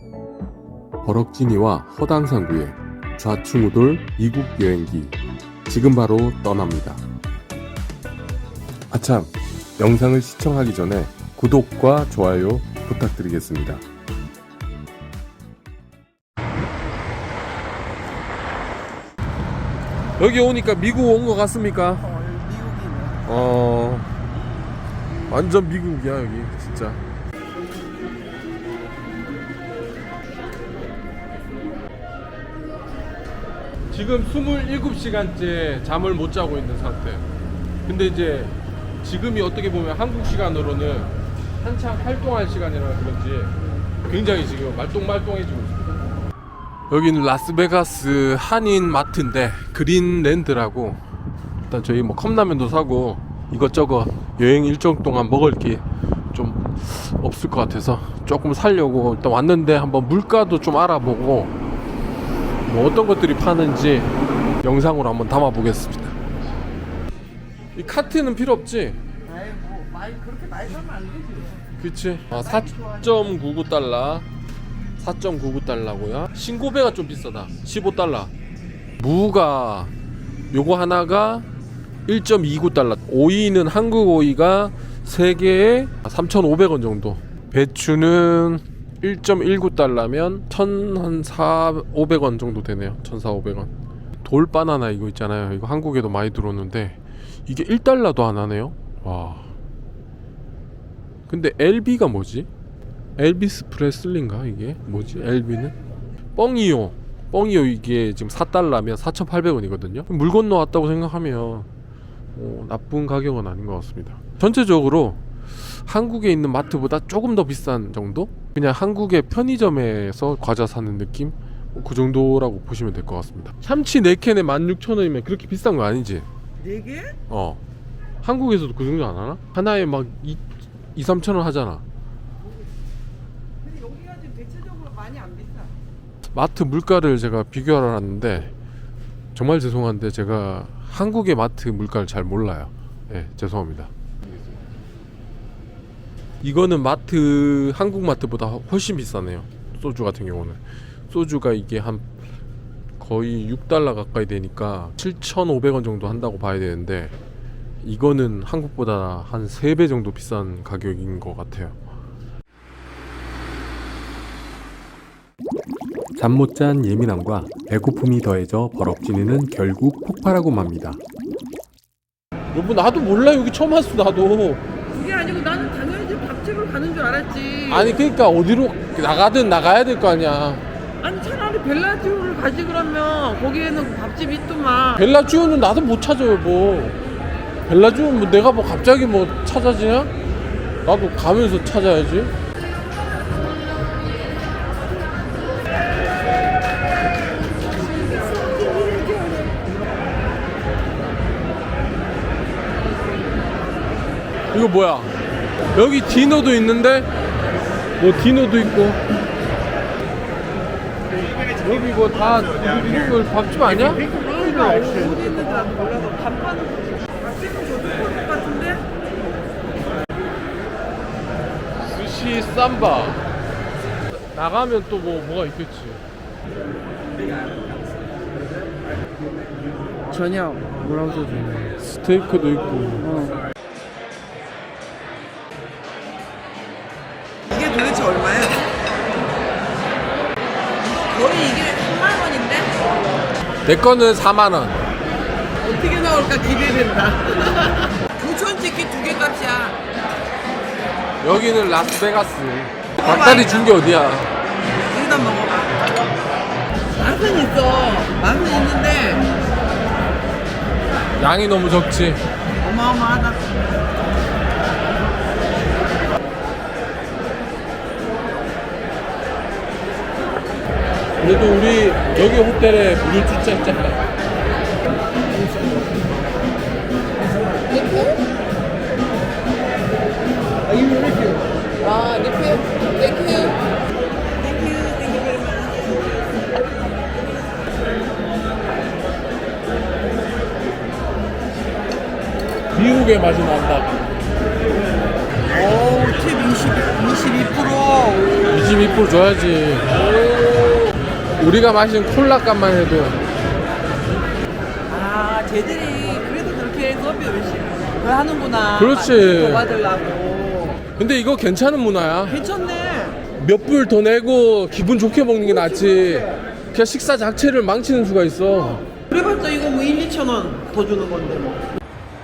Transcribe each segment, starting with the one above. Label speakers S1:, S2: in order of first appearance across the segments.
S1: 버럭지니와 허당상구의 좌충우돌 이국 여행기 지금 바로 떠납니다. 아참, 영상을 시청하기 전에 구독과 좋아요 부탁드리겠습니다. 여기 오니까 미국 온 것 같습니까?
S2: 미국이네.
S1: 완전 미국이야 여기 진짜. 지금 27시간째 잠을 못 자고 있는 상태. 근데 이제 지금이 어떻게 보면 한국 시간으로는 한창 활동할 시간이라 그런지 굉장히 지금 말똥말똥해지고 있습니다. 여기는 라스베가스 한인 마트인데 그린랜드라고, 일단 저희 뭐 컵라면도 사고 이것저것 여행 일정 동안 먹을 게 좀 없을 것 같아서 조금 사려고 일단 왔는데, 한번 물가도 좀 알아보고 뭐 어떤 것들이 파는지 영상으로 한번 담아 보겠습니다. 이 카트는 필요 없지?
S2: 아이 뭐 많이 그렇게 많이 사면 안 되지.
S1: 그치? 4.99달러 4.99달러고요 신고배가 좀 비싸다. 15달러. 무가 요거 하나가 1.29달러. 오이는 한국 오이가 3개에 3,500원 정도. 배추는 1.19달러면 1,400원 정도 되네요. 1,400원. 돌바나나 이거 있잖아요. 이거 한국에도 많이 들어오는데 이게 1달러도 안 하네요. 와. 근데 LB가 뭐지? 엘비스 프레슬리인가 이게? 뭐지? LB는? 뻥이요 이게 지금 4달러면 4,800원이거든요. 물 건너왔다고 생각하면 나쁜 가격은 아닌 것 같습니다. 전체적으로 한국에 있는 마트보다 조금 더 비싼 정도? 그냥 한국의 편의점에서 과자 사는 느낌? 그 정도라고 보시면 될 것 같습니다. 참치 4캔에 16,000원이면 그렇게 비싼 거 아니지?
S2: 4개?
S1: 한국에서도 그 정도 안 하나? 하나에 막 2-3,000원 하잖아.
S2: 근데 여기가 지금 대체적으로 많이 안 비싸.
S1: 마트 물가를 제가 비교하러 왔는데 정말 죄송한데 제가 한국의 마트 물가를 잘 몰라요. 죄송합니다. 이거는 마트, 한국 마트보다 훨씬 비싸네요. 소주 같은 경우는 소주가 이게 한 거의 6달러 가까이 되니까 7,500원 정도 한다고 봐야 되는데, 이거는 한국보다 한 3배 정도 비싼 가격인 것 같아요. 잠 못 잔 예민함과 배고픔이 더해져 버럭지니는 결국 폭발하고 맙니다. 여보, 나도 몰라. 여기 처음 왔어. 나도.
S2: 그게 아니고 나는 당연히 지금 밥집을 가는 줄 알았지.
S1: 아니 그러니까 어디로 나가든 나가야 될 거 아니야.
S2: 아니 차라리 벨라지오를 가지. 그러면 거기에는 밥집이 있더만.
S1: 벨라주오는 나도 못 찾아요. 뭐 벨라주오는 뭐 내가 뭐 갑자기 뭐 찾아지냐? 나도 가면서 찾아야지. 이거 뭐야? 여기 디노도 있는데? 뭐 디노도 있고 여기 뭐 다 이런 거 밥집 아니야?
S2: 그러니까 어디 있는지 나도 몰라서 밥 파는 밥집은 저기 것 같은데?
S1: 스시 삼바. 나가면 또 뭐가 있겠지.
S2: 저녁 뭐라고 써있네.
S1: 스테이크도 있고.
S2: 이게 도대체 얼마야? 거의 이게 3만 원인데?
S1: 내 거는 4만 원.
S2: 어떻게 나올까 기대된다. 부천치킨 2개 값이야.
S1: 여기는 라스베가스. 닭다리 준 게 어디야?
S2: 여기다 먹어봐. 맛은 있어. 맛은 있는데
S1: 양이 너무 적지.
S2: 어마어마하다.
S1: 그래도 우리 여기 호텔에 물을 주자 했잖아.
S2: 아, 리필? 땡큐.
S1: 미국의 맛이 난다.
S2: 오, 팁 22%.
S1: 22% 줘야지. 우리가 마신 콜라 값만 해도.
S2: 아, 쟤들이 그래도 그렇게 서비 열심히 더 하는구나.
S1: 그렇지.
S2: 더 받으려고.
S1: 근데 이거 괜찮은 문화야.
S2: 괜찮네.
S1: 몇 불 더 내고 기분 좋게 먹는 게 낫지. 그냥 식사 자체를 망치는 수가 있어.
S2: 그래봤자 이거 뭐 1, 2천 원 더 주는 건데 뭐.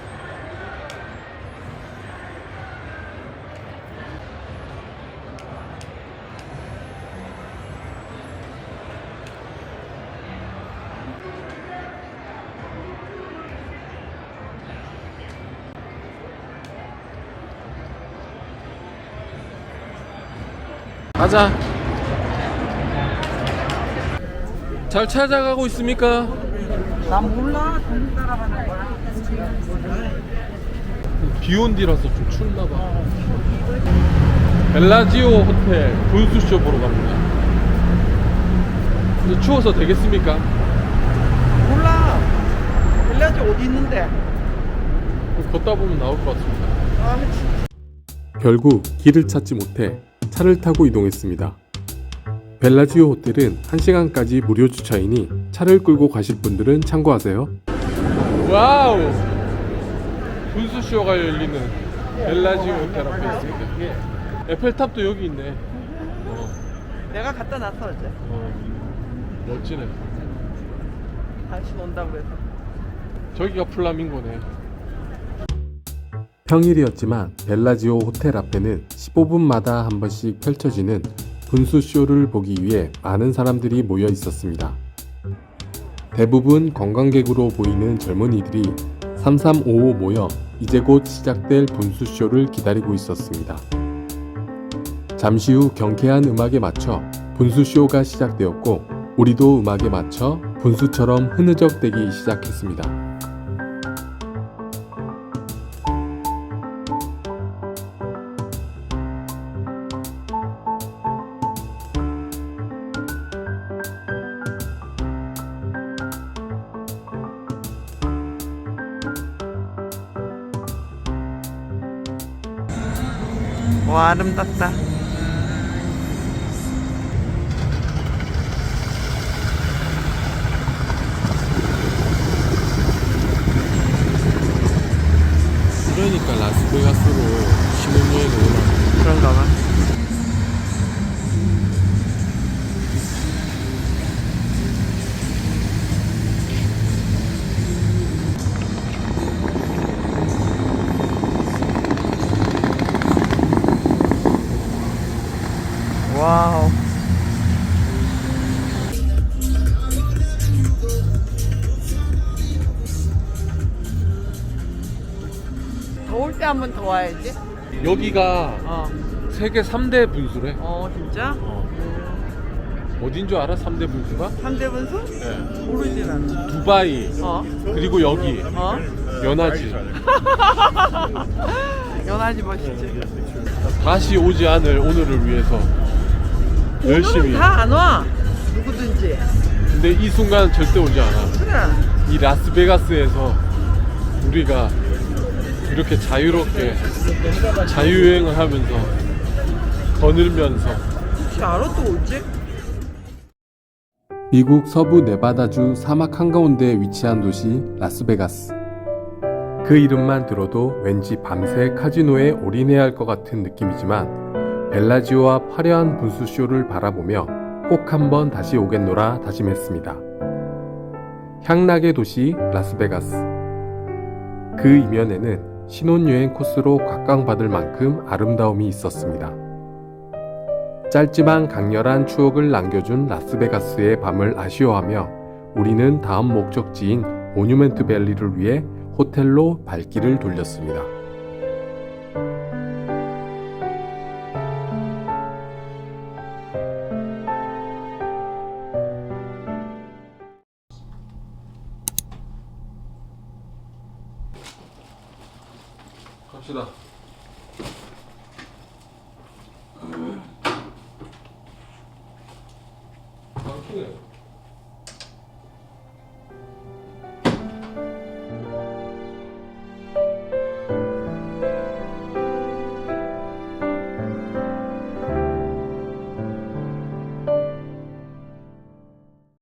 S1: 가자. 잘 찾아가고 있습니까?
S2: 난 몰라. 돈 따라가는 거야.
S1: 비온 뒤라서 좀 춥나봐. 벨라지오 호텔 분수쇼 보러 갑니다. 근데 추워서 되겠습니까?
S2: 몰라. 빌라지 어디 있는데?
S1: 걷다 보면 나올 것 같습니다.
S2: 아, 미치.
S3: 결국 길을 찾지 못해 차를 타고 이동했습니다. 벨라지오 호텔은 1시간까지 무료 주차이니 차를 끌고 가실 분들은 참고하세요.
S1: 와우! 분수쇼가 열리는 벨라지오 호텔 앞에 있습니다. 에펠탑도 여기 있네.
S2: 내가 갖다 놨어 어제.
S1: 멋지네.
S2: 당신 온다고 해서.
S1: 저기가 플라밍고네.
S3: 평일이었지만 벨라지오 호텔 앞에는 15분마다 한 번씩 펼쳐지는 분수쇼를 보기 위해 많은 사람들이 모여 있었습니다. 대부분 관광객으로 보이는 젊은이들이 3355 모여 이제 곧 시작될 분수쇼를 기다리고 있었습니다. 잠시 후 경쾌한 음악에 맞춰 분수쇼가 시작되었고 우리도 음악에 맞춰 분수처럼 흐느적대기 시작했습니다.
S2: 와, 아름답다.
S1: 그러니까 라스베가스로 신혼여행 오나.
S2: 그런가 봐. 와우. 더울 때 한 번 더 와야지.
S1: 여기가
S2: 어.
S1: 세계 3대 분수래.
S2: 진짜?
S1: 어딘 줄 알아? 3대 분수가?
S2: 3대 분수?
S1: 네.
S2: 모르지 나는.
S1: 두바이,
S2: 어?
S1: 그리고 여기, 연하지.
S2: 연하지 멋있지.
S1: 다시 오지 않을 오늘을 위해서 열심히.
S2: 다 안 와. 누구든지.
S1: 근데 이 순간은 절대 오지 않아.
S2: 그래.
S1: 이 라스베가스에서 우리가 이렇게 자유롭게 자유여행을 하면서 거닐면서.
S2: 혹시 알아 또 올지?
S3: 미국 서부 네바다주 사막 한가운데에 위치한 도시 라스베가스. 그 이름만 들어도 왠지 밤새 카지노에 올인해야 할 것 같은 느낌이지만 벨라지오와 화려한 분수쇼를 바라보며 꼭 한번 다시 오겠노라 다짐했습니다. 향락의 도시 라스베가스. 그 이면에는 신혼여행 코스로 각광받을 만큼 아름다움이 있었습니다. 짧지만 강렬한 추억을 남겨준 라스베가스의 밤을 아쉬워하며 우리는 다음 목적지인 모뉴멘트 밸리를 위해 호텔로 발길을 돌렸습니다.
S1: 갑시다. 막히네.